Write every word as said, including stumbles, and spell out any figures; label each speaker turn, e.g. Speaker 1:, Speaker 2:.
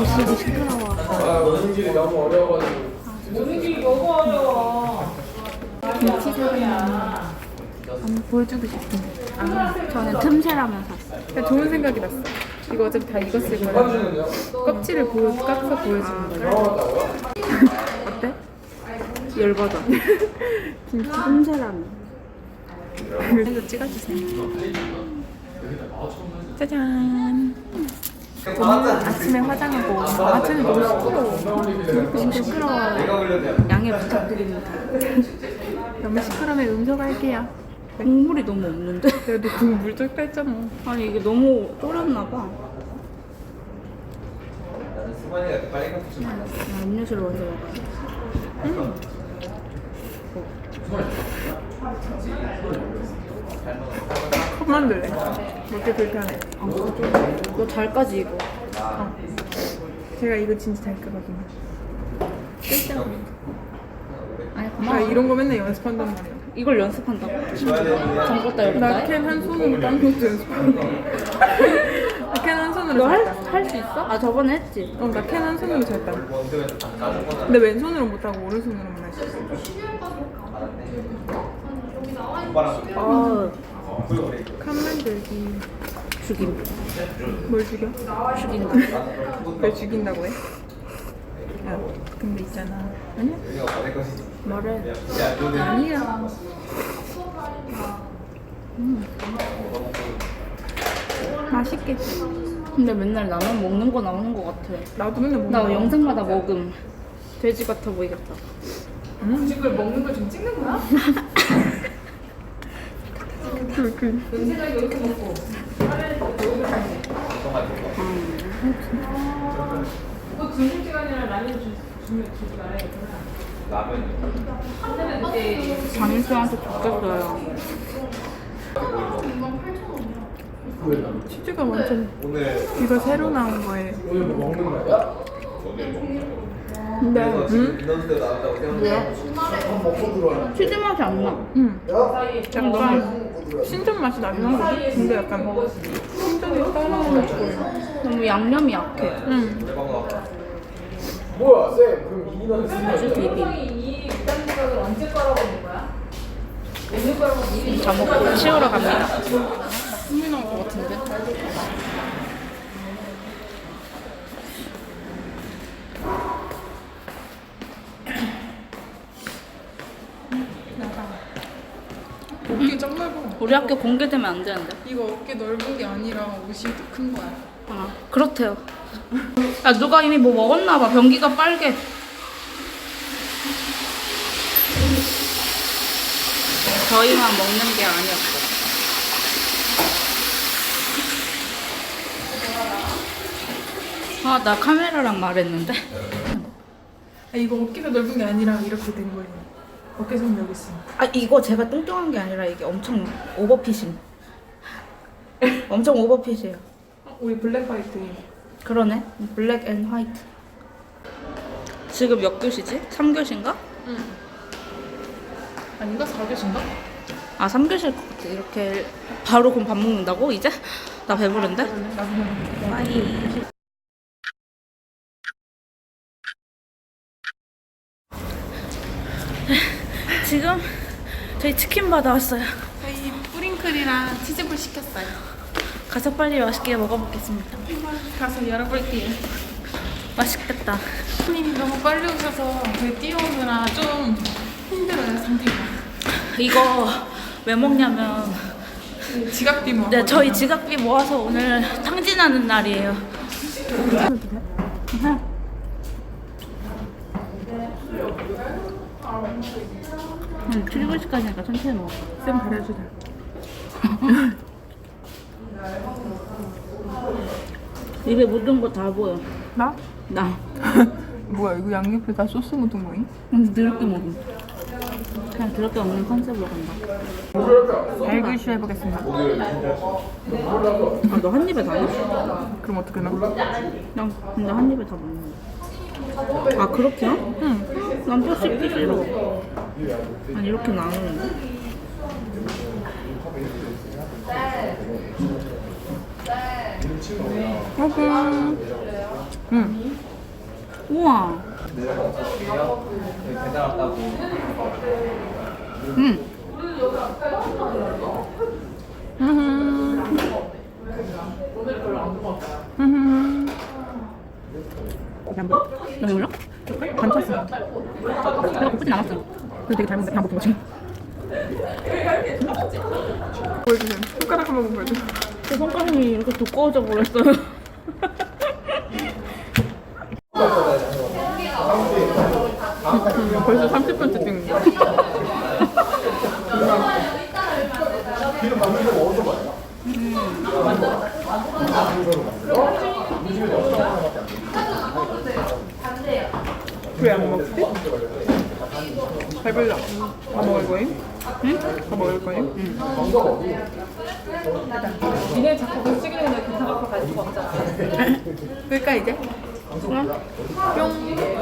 Speaker 1: 글씨도 시끄러워.
Speaker 2: 아, 오는 길이 너무 어려워가지고. 오는 길이 너무 어려워.
Speaker 1: 김치 사면 한번 보여주고 싶은데. 아, 저는 틈새라면 샀어요.
Speaker 3: 좋은 생각이 났어. 이거 어차피 다 익었을 거야. 껍질을 보여, 깎아서 보여주는 거야. 어때? 열받아.
Speaker 1: 김치 틈새라면.
Speaker 3: 그래서 찍어주세요. 짜잔. 저는 아침에 화장하고 아침에 너무 시끄러워. 너무 시끄러워요.
Speaker 1: 양해 부탁드립니다.
Speaker 3: 너무 시끄러우면 음소할게요.
Speaker 1: 국물이 너무 없는데?
Speaker 3: 그래도 국물 쫄까 했잖아.
Speaker 1: 아니 이게 너무 쫄았나 봐. 아, 음료수를 먼저 먹어야지.
Speaker 3: 음. 컵 만들래. 먹기 불편해.
Speaker 1: 아, 너 잘까지 이거.
Speaker 3: 어. 제가 이거 진짜 잘 끄거든요.
Speaker 1: 아니
Speaker 3: 나
Speaker 1: 고마워.
Speaker 3: 이런 거 맨날 연습한단 말이야.
Speaker 1: 이걸 연습한다고? 잠궜다 열었다
Speaker 3: 나
Speaker 1: 해?
Speaker 3: 캔 한 손으로 딴 것도 연습하는 거. 나 캔 한 손으로 잘 따.
Speaker 1: 너할 수 있어? 아 저번에 했지?
Speaker 3: 어, 나 캔 한 손으로 잘 따. 근데 왼손으로 못하고 오른손으로만 할 수 있어.
Speaker 1: 아
Speaker 3: 칸 만들기.
Speaker 1: 죽인다.
Speaker 3: 뭘 죽여?
Speaker 1: 죽인다.
Speaker 3: 왜 죽인다고 해? 야, 근데 있잖아. 아니야?
Speaker 1: 말해.
Speaker 3: 아니야. 음. 맛있겠지?
Speaker 1: 근데 맨날 나만 먹는 거 나오는 거 같아.
Speaker 3: 나도 맨날 먹는
Speaker 1: 나
Speaker 3: 거야.
Speaker 1: 영상마다 먹음. 돼지 같아 보이겠다.
Speaker 3: 음? 지금 먹는 걸 지금 찍는 거야? 그, 그.
Speaker 2: 생각이 이렇게 먹고. 그 점심시간이랑 라면 주면 주지 말아야겠구나.
Speaker 1: 장인수한테 줬었어요.
Speaker 3: 치즈가 완전 이거 새로 나온 거에.
Speaker 2: 오늘 뭐 먹는 거야?
Speaker 3: 근데 응?
Speaker 2: 인원수대 나왔다고 생각해. 먹고 들어와.
Speaker 1: 치즈 맛이 안 나.
Speaker 3: 응. 약간 신전 맛이 나긴 하거든? 근데 약간 신전이 따라오는 거예요.
Speaker 1: 너무 양념이 약해.
Speaker 3: 응.
Speaker 2: 뭐야, 쌤? 그럼 이 인원 쓰는
Speaker 1: 아주 비빔.
Speaker 2: 이 일단 생각을 언제 깔아보는 거야? 오늘 깔아보면 미리
Speaker 1: 다 먹고 치우러 갑니다.
Speaker 3: 흥미 나올 것 같은데? 어깨 짱 넓어.
Speaker 1: 우리 학교 공개되면 안 되는데.
Speaker 3: 이거 어깨 넓은 게 아니라 옷이 더 큰 거야.
Speaker 1: 아, 그렇대요. 야, 누가 이미 뭐 먹었나 봐. 변기가 빨개. 저희만 먹는 게 아니었어. 아, 나 카메라랑 말했는데.
Speaker 3: 아, 이거 어깨가 넓은 게 아니라 이렇게 된 거예요. 어깨선 여기 있어.
Speaker 1: 아, 이거 제가 뚱뚱한 게 아니라 이게 엄청 오버핏임. 엄청 오버핏이에요.
Speaker 3: 어, 우리 블랙 화이트.
Speaker 1: 그러네. 블랙 앤 화이트. 지금 몇 교시지? 삼 교시인가?
Speaker 3: 응. 아닌가? 사 교시인가?
Speaker 1: 아, 삼 교시일 것 같아. 이렇게 바로 그럼 밥 먹는다고 이제? 나 배부른데?
Speaker 3: 나도 모르겠어.
Speaker 1: 빠이. 지금 저희 치킨 받아왔어요.
Speaker 3: 저희 뿌링클이랑 치즈볼 시켰어요.
Speaker 1: 가서 빨리 맛있게 먹어보겠습니다.
Speaker 3: 가서 열어볼게요.
Speaker 1: 맛있겠다.
Speaker 3: 손님이 너무 빨리 오셔서 그 뛰어오느라 좀 힘들어요, 상태가.
Speaker 1: 이거 왜 먹냐면
Speaker 3: 지각비 뭐.
Speaker 1: 네, 저희 지각비 모아서 오늘 탕진하는 날이에요. 응, 칠십 시까지니까 천천히 먹어.
Speaker 3: 쌤 가려주자.
Speaker 1: 입에 묻은 거 다 보여.
Speaker 3: 나?
Speaker 1: 나.
Speaker 3: 뭐야, 이거 양옆에 다 소스 묻은 거임?
Speaker 1: 근데 더럽게 먹음. 그냥 더럽게 먹는 컨셉으로 간다.
Speaker 3: 발글쇼 해보겠습니다.
Speaker 1: 아, 너 한 입에 다 넣었어?
Speaker 3: 그럼 어떻게 나?
Speaker 1: 난 근데 한 입에 다 먹는 거야. 아, 그렇게요?
Speaker 3: 응.
Speaker 1: 난 뼈 씹기 싫어. 아니, 이렇게 나누는데?
Speaker 3: 먹음. 응.
Speaker 1: 우와. 음.
Speaker 3: 음. 음.
Speaker 1: 너 몰라? 반찼어. 내가 고프진 않았어. 근데 되게 잘 먹는데 그냥 먹은 거지.
Speaker 3: 보여주세요. 손가락 한 번만 보여주세요.
Speaker 1: 제 손가락이 이렇게 두꺼워져 버렸어요.
Speaker 3: 음, 벌써 삼십 분째 찍는 거야. 왜 안 먹지? 배불러. 다 먹을 거임? 응? 다 먹을 거임? 응.
Speaker 2: 니네 자꾸 그 시기는 기타 갖고 갈 수가 없잖아.
Speaker 1: 끌까 이제?
Speaker 3: 뿅.